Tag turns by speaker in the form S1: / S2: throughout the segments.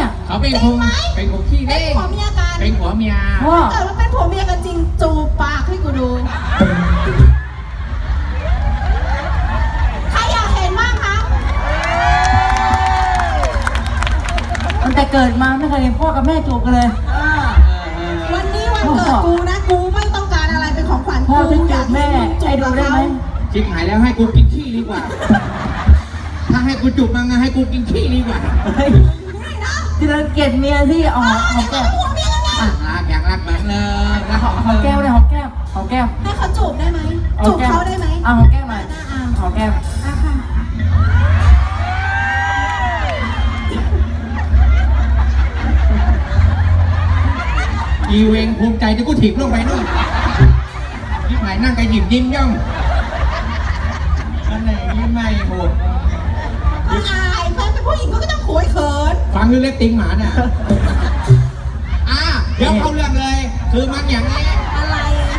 S1: เขาเป็นคงขี้เล่นเป็นผัวเมียกันเป็นผัวเมียแต่ว่าเป็นผัวเมียกันจริงจูบปากให้กูดูใครอยากเห็นบ้างคะ
S2: ตั้งแต่เกิดมาไม่เคยเห็นพ่อกับแม่จูบกันเลย
S1: วันนี้วันเกิดกูนะกูไม่ต้องการอะไรเป็นของขวัญ
S2: พ่อจะจูบแม่ใจดูได้ไหม
S1: ชิบหายแล้วให้กูกินขี้ดีกว่าถ้าให้กูจูบมาไงให้กูกินขี้ดีกว่า
S2: ที่เราเกลียดเมียที่หอมแก้ม
S1: รักอยากรักแบบเลยรัก
S2: หอมแก้มเลยหอมแก้ม
S1: ให้เขาจูบได้ไหมจูบเขาได้ไหม
S2: หอมแก้มหน่อยหอมแก้ม
S1: อีเวงภูมิใจที่กูถีบลงไปนู่นยิ้มไหนนั่งกระหยิบยิ้มย่องอันไหนยิ้มไม่โหดอายเพื่อนเป็นผู้หญิงก็ต้องขวยเขินฟังเรื่องเล็กติงหมาเนี่ยเดี๋ยวเข้าเรื่องเลยคือมันอย่างนี้อะไร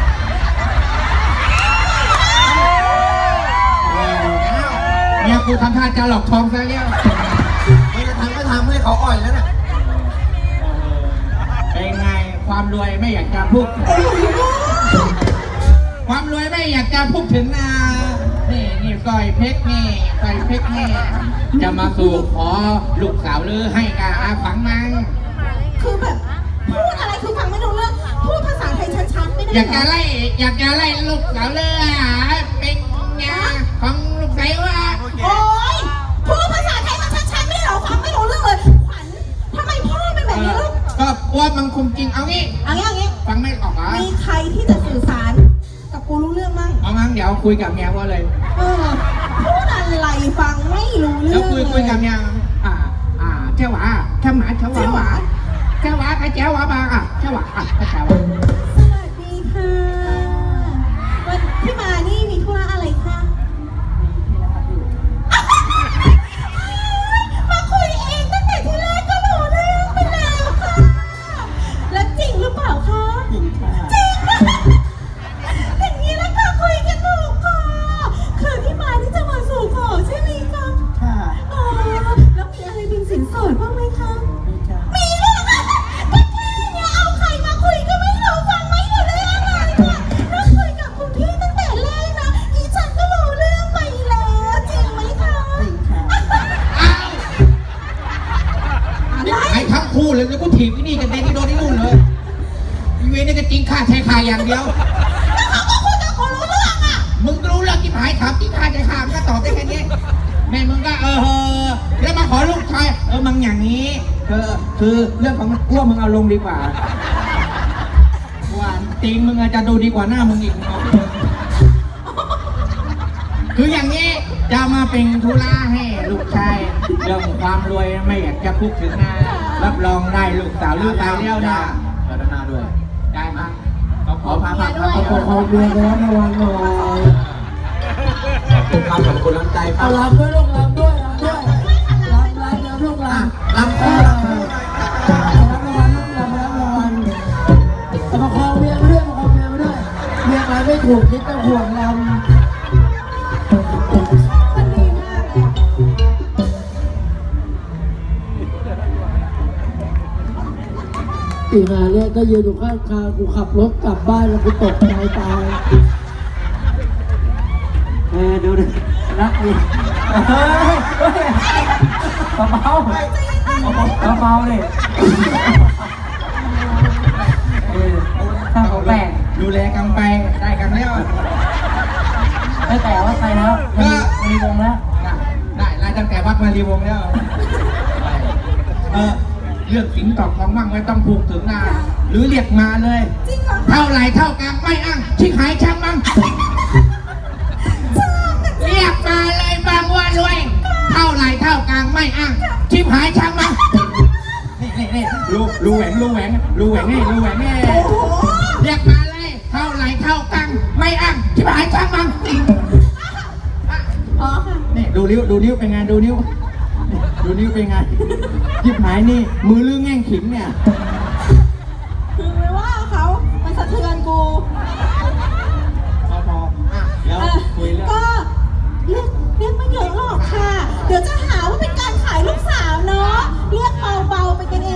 S1: เนี่ยกูทำท่าจะหลอกทองซะแล้วไม่จะทำก็ทำให้เขาอ่อยแล้วเนี่ยเป็นไงความรวยไม่อยากจะพูดความรวยไม่อยากจะพูดถึงนะนี่ก้อยเพชรนี่จะมาสู่ขอลูกสาวหรือให้กาฟังมั้งคือแบบพูดอะไรคือฟังไม่รู้เรื่องพูดภาษาไทยชัดๆไม่ได้อยากจะไล่ลูกสาวเลยเป็นไงของลูกสาวว่าโอ๊ยพูดภาษาไทยมันชัดๆไม่หรอฟังไม่รู้เรื่องเลยขวัญทำไมพ่อเป็นแบบนี้ลูกก็ว่ามันคงจริงเอางี้ฟังไม่ออกเหรอมีใครที่จะสื่อสารกับกูรู้เรื่องมั้งเอางั้นเดี๋ยวคุยกับเมียว่าเลยพูดอะไรฟังไม่รู้เรื่องแล้วคุยกับเมียเจ้าหวาเจ้าหมาเจ้าหวาใครเจ้าหวาบ้างเจ้าหวาเจ้าหวาสวัสดีค่ะวันที่มานี่มีธุระอะไรคะมาคุยเองตั้งแต่ที่แรกก็รู้เรื่องไปแล้วค่ะแล้วจริงหรือเปล่าคะจริงค่ะอย่างนี้แล้วก็คุยกันถูกค่ะคือที่มานี่จะมาสู่ขอใช่ไหมคะค่ะแล้วมีอะไรเป็นสินสอดบ้างไหมคะมีด้วยค่ะก็แค่เนี่ยเอาใครมาคุยก็ไม่รู้ฟังไม่รู้เรื่องอะไรค่ะแล้วคุยกับคุณพี่ตั้งแต่แรกนะอีฉันก็รู้เรื่องไปแล้วจริงไหมคะจริงค่ะอะไรทั้งคู่เลยแล้วกูถีบที่นี่กันเด็กที่โดนที่นู่นเลยอีเวนนี่ก็จริงค่าใช้ค่าอย่างเดียวแล้วเขาก็พูดแต่กูรู้เรื่องมึงรู้เรื่องที่หายถามที่ค่าใช้ค่ามันก็ตอบได้แค่นี้แม่มึงก็แล้วมาขอลูกชายมึงอย่างนี้คือเรื่องของมันกลัวมึงเอาลงดีกว่าตีมึงอาจจะดูดีกว่าหน้ามึงอีกคืออย่างนี้จะมาเป็นธุระให้ลูกชายเรื่องความรวยไม่อยากจะพูดถึงนะรับรองได้ลูกสาวลูกสาวเลี้ยวนะพัฒนาด้วยได้ไหมขอพาขอเรียนแล้วระวังหน่อยขอบคุณน้ำใจครับรับด้วยลูกรับด้วยลูกรับประคองเมียไปด้วยเมียไปไม่ถูกคิดจะห่วงเราตีมาเนี่ยก็ยืนอยู่ข้างทางกูขับรถกลับบ้านแล้วกูตกใจตายดูดิรักดิเบาเลยถ้าเขาแบ่งดูแลกันไปได้กันแล้วไม่แต่ว่าไปแล้วมีวงแล้วได้ตั้งแต่วัดมารีวงแล้วเลือกสิงตอบของมั่งไม่ต้องพูดถึงนะหรือเรียกมาเลยเท่าไรเท่ากันไม่อ้างชิคหายช่างมั่งเรียกมาเลยบางว่ารวยเท่าไรเท่ากลางไม่อ้างชิบหายช่างมั่งนี่รูแหวงนี่เรียกมาเลยเท่าไรเท่ากลางไม่อ้างชิบหายช่างมั่งนี่ดูนิ้วเป็นไงดูนิ้วเป็นไงชิบหายนี่มือลื้อแง่งขิงเนี่ยคือไม่ว่าเขามันสะเทือนกูพอเดี๋ยวคุยเรื่องก็เรียกไม่เยอะหรอกค่ะเดี๋ยวจะหาว่าเป็นการขายลูกสาวเนาะเรียกเบาๆไปกันเ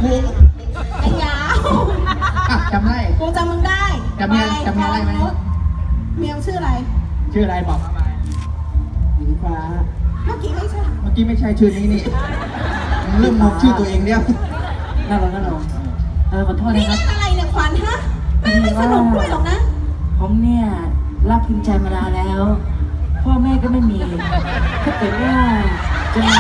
S1: ครู
S3: ไอ้ยาว
S1: อ่ะจำได้
S3: กูจำมึงได้
S1: จำเมียได้ไหม
S3: เมียชื่ออะไร
S1: ชื่ออะไรบอกมาไปหญิงฟ้า
S3: เมื่อกี้ไม่ใช่
S1: เมื่อกี้ไม่ใช่ชื่อนี้นี่เริ่มมองชื่อตัวเองแล้ว
S2: น่ารักน่ารักขอโทษ
S3: นี่
S2: นะครับ
S3: เรื่องอะไรเนี่ยขวัญฮะแม่ไม่สนุกด้วยหรอกนะ
S2: ผมเนี่ยรักพิมพ์ใจมานานแล้ว พ่อแม่ก็ไม่มี ถ้าเกิดว่าจะมา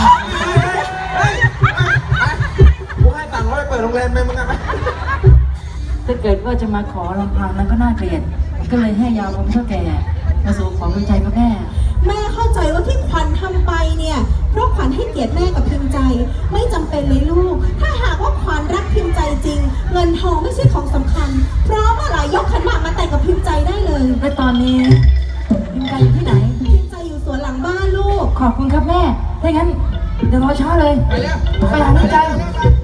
S1: กูให้ตังค์เขาไปเปิดโรงแรมไหมมึงอะ
S2: ถ้าเกิดว่าจะมาขอลำพังนั้นก็น่าเกลียด ก็เลยให้ยาผมเท่าแก่มาสู่ขอพิมพ์ใจพ่อแม่
S3: แม่เข้าใจว่าที่ขวัญทำไปเนี่ยเพราะขวัญให้เกียรติแม่กับพิมพ์ใจ ไม่จำเป็นเลยลูก ถ้าหากว่าขวัญรักพิมพ์ใจจริง เงินทองไม่ใช่ของสำคัญ เพราะเมื่อไหร่ยกขันหมากมาแต่งกับพิมพ์ใจได้เลย
S2: และตอนนี้พิมพ์ใจอยู่ที่ไหน
S3: พิมพ์ใจอยู่สวนหลังบ้านลูก
S2: ขอบคุณครับแม่ ถ้างั้นเดี๋ยวรอช้าเลย
S1: ไปแล้ว
S2: ไปหาพิมพ์ใจ